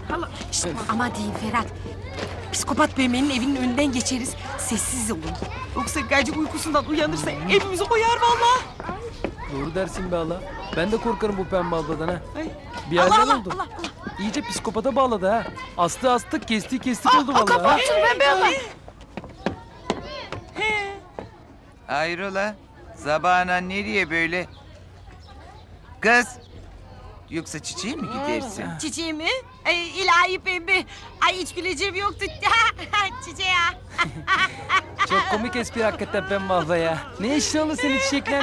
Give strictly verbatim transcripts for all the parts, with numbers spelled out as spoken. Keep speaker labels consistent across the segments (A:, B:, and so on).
A: Allah. Şişt, ama deyin Ferhat. Psikopat Pembe'nin evinin önünden geçeriz. Sessiz olun. Yoksa gacık uykusundan uyanırsa evimizi koyar vallahi.
B: Doğru dersin be Allah. Ben de korkarım bu pembe abladan ha.
A: Ay.
B: Bir
A: Allah
B: yerden
A: Allah,
B: oldu.
A: Allah Allah.
B: İyice psikopata bağladı ha. Astı astık, kesti kestik oldu
A: Aa,
B: vallahi. ha.
A: kapatsın Pembe abla.
C: Hayrola? Zabana nereye böyle? Kız! Yoksa çiçeğe mi gidersin?
A: Çiçeği mi? Ay, ilahi Pembe. Ay hiç güleceğim yoktu. Çiçeği ya.
B: Çok komik espri hakikaten pembe abla ya. Ne işin olur senin çiçekle?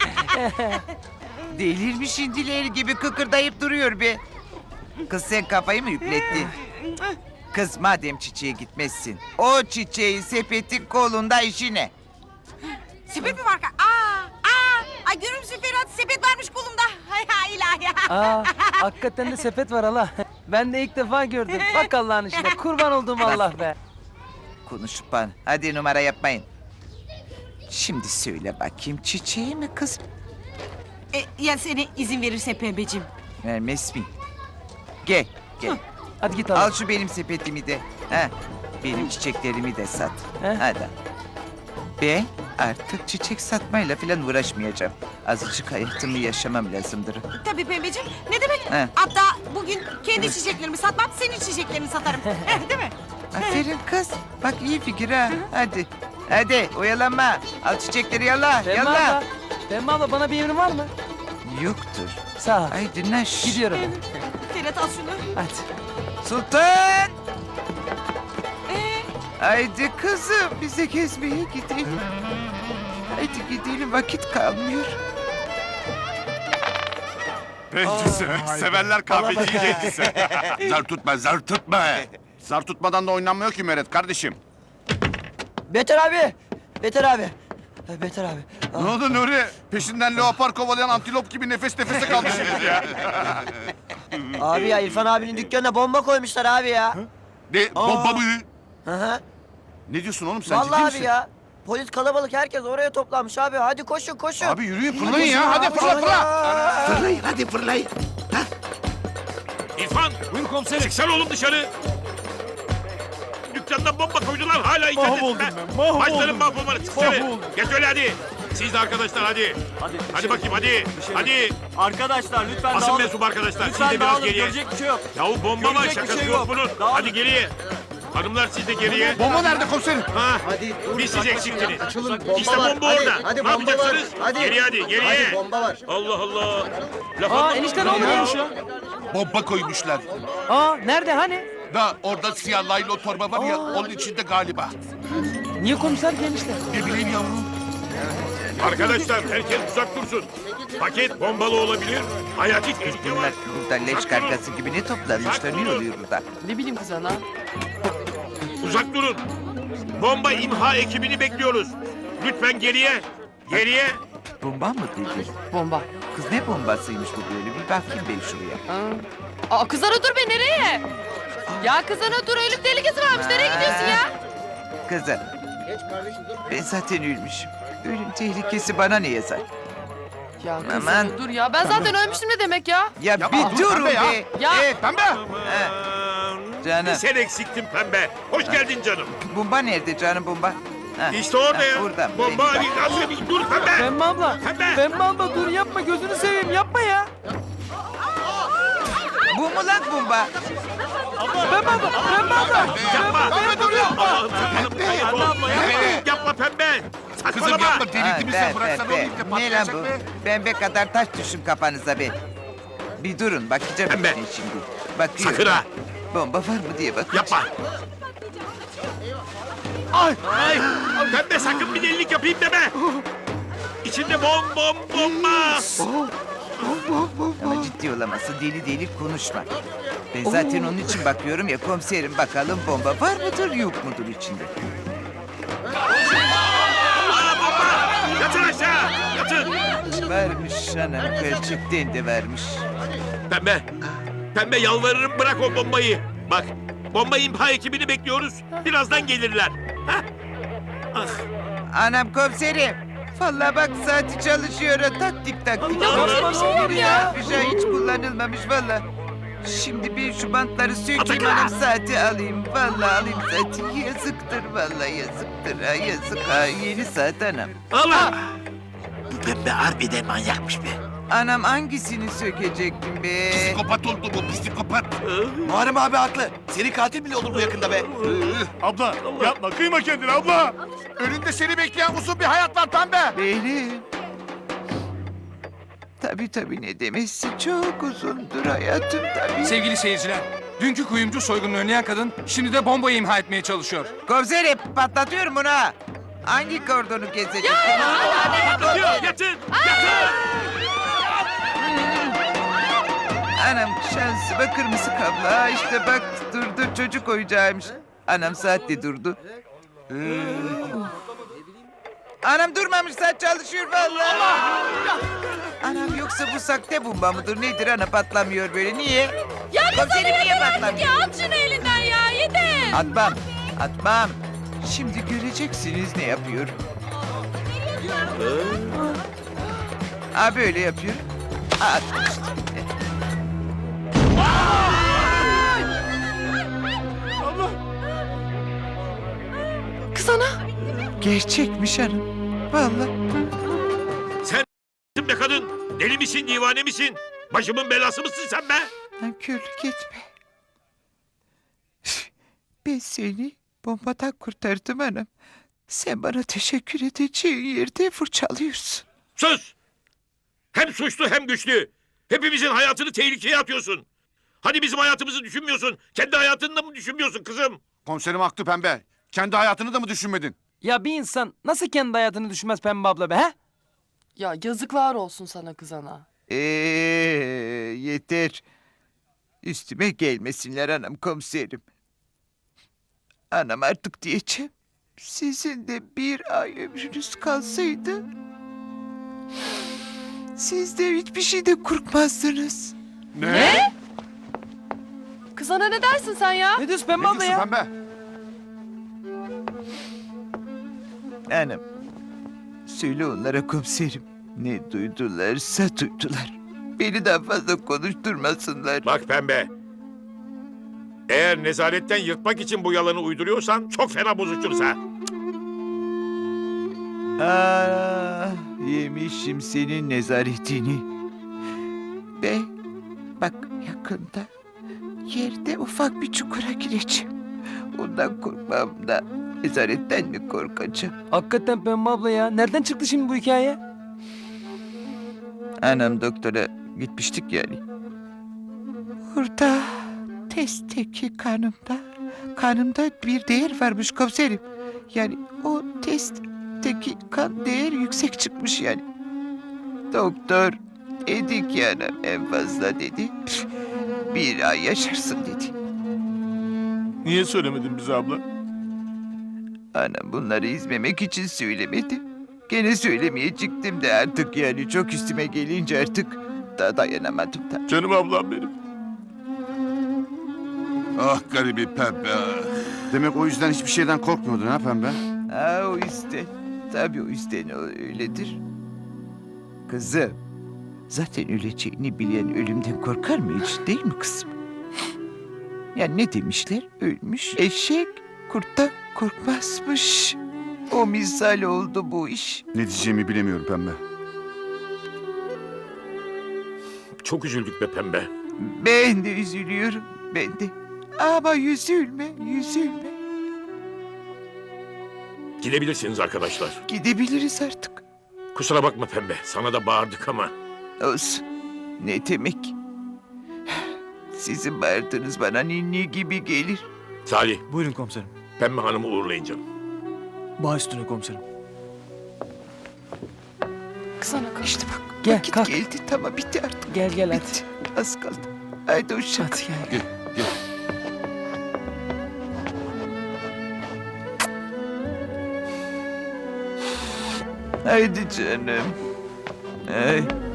C: Delirmiş indiler gibi kıkırdayıp duruyor be. Kız sen kafayı mı yüklettin? Kız madem çiçeğe gitmezsin, o çiçeğin sepetin kolunda işi ne?
A: Sepet mi var? Aa, aa. Ay görür müsün Ferhat? Sepet varmış kolumda. Ay ay ilahi.
B: Aa, hakikaten de sepet var Allah. Ben de ilk defa gördüm. Bak Allah'ın işine. Kurban olduğum Allah be.
C: Konuşup bana. Hadi numara yapmayın. Şimdi söyle bakayım çiçeği mi kız?
A: E, ya seni izin verirse Pembeciğim.
C: Vermez mi? Gel, gel.
B: Hadi git Allah.
C: Al şu benim sepetimi de. Ha, benim çiçeklerimi de sat.
B: He?
C: Hadi. Ben artık çiçek satmayla falan uğraşmayacağım. Azıcık hayatımı yaşamam lazımdır.
A: Tabii Pembeciğim. Ne demek?
C: He.
A: Hatta bugün kendi çiçeklerimi satmam, senin çiçeklerini satarım. Eh, değil mi?
C: Aferin kız. Bak iyi fikir ha. Hadi. Hadi oyalanma. Al çiçekleri yalla.
B: Pembe
C: Yalla.
B: abla. Pembe abla bana bir emrin var mı?
C: Yoktur.
B: Sağ ol.
C: Haydi naş.
B: Gidiyorum.
A: Ferhat al şunu.
B: Hadi.
C: Sultan.
A: Ee,
C: Haydi kızım bize gezmeye gidelim. Haydi gidelim vakit kalmıyor.
D: Bencisi, severler kahveciyi bencisi.
E: Zar tutma, zar tutma.
D: Zar tutmadan da oynanmıyor ki Meret kardeşim.
F: Beter abi. Beter abi. Ha, Beter abi.
D: Ne oldu Nuri? Peşinden leopar kovalayan antilop gibi nefes nefese kaldı şimdi ya.
F: Abi ya İrfan abinin dükkanına bomba koymuşlar abi ya.
E: Ne, bomba mı?
F: Hı hı.
D: Ne diyorsun oğlum sen ciddi
F: Vallahi
D: misin?
F: abi ya. Polis kalabalık herkes oraya toplanmış abi. Hadi koşun koşun.
D: Abi yürüyün fırlayın ya. Hadi fırla fırla.
E: Fırlayın, hadi fırlayın.
G: İrfan! Buyur komiserim. Çıksana oğlum dışarı. Dükkandan bomba koydular hala icat
B: Mahvoldum
G: etme.
B: ben, mahvoldum.
G: Başlarım mahvolmanı çıksana.
B: Mahvoldum.
G: Geç öyle hadi. Siz de arkadaşlar hadi.
H: Hadi,
G: Hadi bakayım hadi. Hadi.
H: Arkadaşlar lütfen
G: Basın
H: dağılın.
G: mensubu arkadaşlar. Siz
H: Lütfen
G: de biraz
H: dağılın.
G: geriye.
H: Görecek bir şey yok.
G: Yahu bomba var
H: Görecek bir
G: şakası
H: şey
G: yok
H: yok.
G: bunun.
H: Dağılın.
G: Hadi geriye. Hanımlar siz de geriye.
D: Bomba nerede komiserim?
G: Ha. Bir siz eksiktiniz. İşte bomba
F: Hadi,
G: orada.
F: hadi
G: Ne
F: bomba
G: yapacaksınız?
F: var. Hadi.
G: Geriye hadi geriye.
F: Hadi bomba var.
G: Allah Allah. Laf
B: Aa
G: anlamadım
B: enişte ne
G: ben
B: oluyormuş ya?
E: Bomba koymuşlar.
B: Aa nerede hani?
E: Da orada siyah laylo torba var ya, onun içinde galiba.
B: Niye komiser ki enişte?
E: Ne bileyim yavrum.
G: Arkadaşlar herkes uzak dursun. Paket bombalı olabilir. Hayati tehlike var.
C: Bunlar burada leş kargası gibi ne toplanmışlar? Ne oluyor burada?
B: Ne bileyim kız ana.
G: Uzak durun. Bomba imha ekibini bekliyoruz. Lütfen geriye. Geriye.
C: Bomba mı dedi?
I: Bomba.
C: Kız ne bombasıymış bu böyle? Bir bakayım ben şuraya.
I: Aa, aa kızana dur be nereye? Ya kızana dur ölüm tehlikesi varmış nereye gidiyorsun ya?
C: Kızım. Ben zaten ölmüşüm. Ölüm tehlikesi bana ne yazar?
I: Ya kızana
C: Aman.
I: dur ya ben zaten ölmüştüm ne demek ya?
C: Ya
D: Yapma,
C: bir
D: dur
C: durun
D: pembe ya.
C: be.
I: Ya
C: Eh,
D: Pembe.
C: Canım.
G: Bir sen eksiktin pembe. Hoş geldin canım.
C: Bomba nerede canım bomba? Ha,
G: İşte orada
C: ha,
G: ya.
C: Burada.
G: Bomba
C: Benim
G: Ali.
C: bak.
G: Nasıl bir dur pembe.
B: Pembe abla.
G: Pembe.
B: Pembe abla dur yapma gözünü seveyim yapma ya.
C: Bu mu lan bomba?
B: Pembe abla. Pembe abla.
G: Yapma.
D: Pembe duruyor.
G: Allah'ım sakalım. Hayat ol. Yapma pembe.
E: Kızım
G: Saçmalama.
E: yapma,
C: Ha,
E: delirtti mi
C: be,
E: sen?
C: be,
E: Bıraksana
C: be.
E: oğlum, iyice
C: Ne lan
E: patlayacak
C: bu?
E: be.
C: Pembe kadar taş düşün kafanıza be. Bir durun bakacağım
G: Pembe.
C: içine şimdi. Bakıyorum.
G: Sakın ha.
C: Bomba var mı diye bakacağım.
G: Yapma. Ay. Ay. Pembe sakın bir delilik yapayım deme. İçinde bom bom bomba.
C: Ama ciddi olamazsın. Deli deli konuşma. Ben zaten onun için bakıyorum ya komiserim bakalım bomba var mıdır yok mudur içinde?
G: Aa bomba. Yatın aşağı. Yatın.
C: Varmış anam gerçekten de varmış.
G: Pembe. Pembe yalvarırım bırak o bombayı. Bak bomba imha ekibini bekliyoruz. Birazdan gelirler. Hah. Ah.
C: Anam komiserim. Vallahi bak saati çalışıyor. ha, Taktik taktik.
G: Allah'ım,
B: bir şey yok ya.
C: Bir şey hiç kullanılmamış vallahi. Şimdi bir şu bantları sökeyim
G: Atakan!
C: hanım saati alayım. Vallahi alayım saati. Yazıktır vallahi yazıktır. Ha, yazık ha yeni saat anam.
G: Allah!
H: Bu pembe harbiden manyakmış be.
C: Anam hangisini sökecektim be?
E: Psikopat oldu bu psikopat.
H: Muharrem abi haklı. Seri katil bile olur bu yakında be.
D: Abla yapma kıyma kendini abla. Önünde seni bekleyen uzun bir hayat var pembe.
C: Benim. Tabii tabii ne demesi çok uzundur hayatım tabii.
J: Sevgili seyirciler, dünkü kuyumcu soygununu önleyen kadın şimdi de bombayı imha etmeye çalışıyor.
C: Komiserim patlatıyorum bunu ha. Hangi kordonu kesecek?
G: Yatın! Yatın!
C: Anam şansıma kırmızı kablo. Ha işte bak durdu çocuk oyuncağıymış. Anam saatte durdu. Anam durmamış saat çalışıyor vallahi. Anam yoksa bu sakte bomba mıdır nedir ana patlamıyor böyle niye?
I: Ya
C: Komiserim niye patlamıyor?
I: ya at şunu elinden ya yeter.
C: Atmam atmam. Şimdi göreceksiniz ne yapıyorum. Ha böyle yapıyorum. At işte.
I: Kız ana.
C: Gerçekmiş hanım. Vallahi.
G: Sen be kadın! Deli misin, divane misin? Başımın belası mısın sen be?
C: Nankörlük etme. Ben seni bombadan kurtardım hanım. Sen bana teşekkür edeceğin yerde fırçalıyorsun.
G: Sus! Hem suçlu hem güçlü. Hepimizin hayatını tehlikeye atıyorsun. Hani bizim hayatımızı düşünmüyorsun? Kendi hayatını da mı düşünmüyorsun kızım?
D: Komiserim haklı pembe. Kendi hayatını da mı düşünmedin?
B: Ya bir insan nasıl kendi hayatını düşünmez Pembe abla be he?
I: Ya yazıklar olsun sana kız ana.
C: Ee, yeter. Üstüme gelmesinler anam komiserim. Anam artık diyeceğim. Sizin de bir ay ömrünüz kalsaydı... siz de hiçbir şeyden korkmazdınız.
I: Ne? Kız ana ne dersin sen ya?
B: Ne diyorsun Pembe
D: Ne
B: abla
D: diyorsun
B: ya?
D: pembe?
C: Anam. Söyle onlara komiserim. Ne duydularsa duydular. Beni daha fazla konuşturmasınlar.
G: Bak pembe. Eğer nezaretten yırtmak için bu yalanı uyduruyorsan çok fena bozuşuruz ha.
C: Ah, yemişim senin nezaretini. Be, bak yakında yerde ufak bir çukura gireceğim. Ondan korkmam da nezaretten mi korkacağım?
B: Hakikaten Pembe abla ya. Nereden çıktı şimdi bu hikaye?
C: Anam doktora gitmiştik yani. Orada testteki kanımda, kanımda bir değer varmış komiserim. Yani o testteki kan değer yüksek çıkmış yani. Doktor dedik yani en fazla dedi. Bir ay yaşarsın dedi.
D: Niye söylemedin bize abla?
C: Anam bunları izlemek için söylemedi. Gene söylemeyecektim de artık yani çok üstüme gelince artık da dayanamadım da.
D: Canım ablam benim.
E: Ah garibi pembe.
D: Demek o yüzden hiçbir şeyden korkmuyordun ha pembe?
C: Ha o yüzden. Tabii o yüzden o öyledir. Kızım. Zaten öleceğini bilen ölümden korkar mı hiç değil mi kızım? Ya ne demişler? Ölmüş eşek kurttan korkmazmış. O misal oldu bu iş.
D: Ne diyeceğimi bilemiyorum pembe.
G: Çok üzüldük be pembe.
C: Ben de üzülüyorum. Ben de. Ama üzülme, üzülme.
G: Gidebilirsiniz arkadaşlar.
C: Gidebiliriz artık.
G: Kusura bakma pembe. Sana da bağırdık ama.
C: Olsun. Ne demek? Sizin bağırdığınız bana ninni gibi gelir.
G: Salih,
H: Buyurun komiserim.
G: pembe hanımı uğurlayın canım.
H: Baş üstüne komiserim.
I: Kız ana kalk.
C: İşte bak
B: Gel,
C: vakit
B: kalk.
C: geldi. Tamam bitti artık.
B: Gel gel hadi.
C: Bitti. Az kaldı. Haydi uşak.
B: Hadi gel.
E: Gel, gel.
C: Haydi canım. Ay.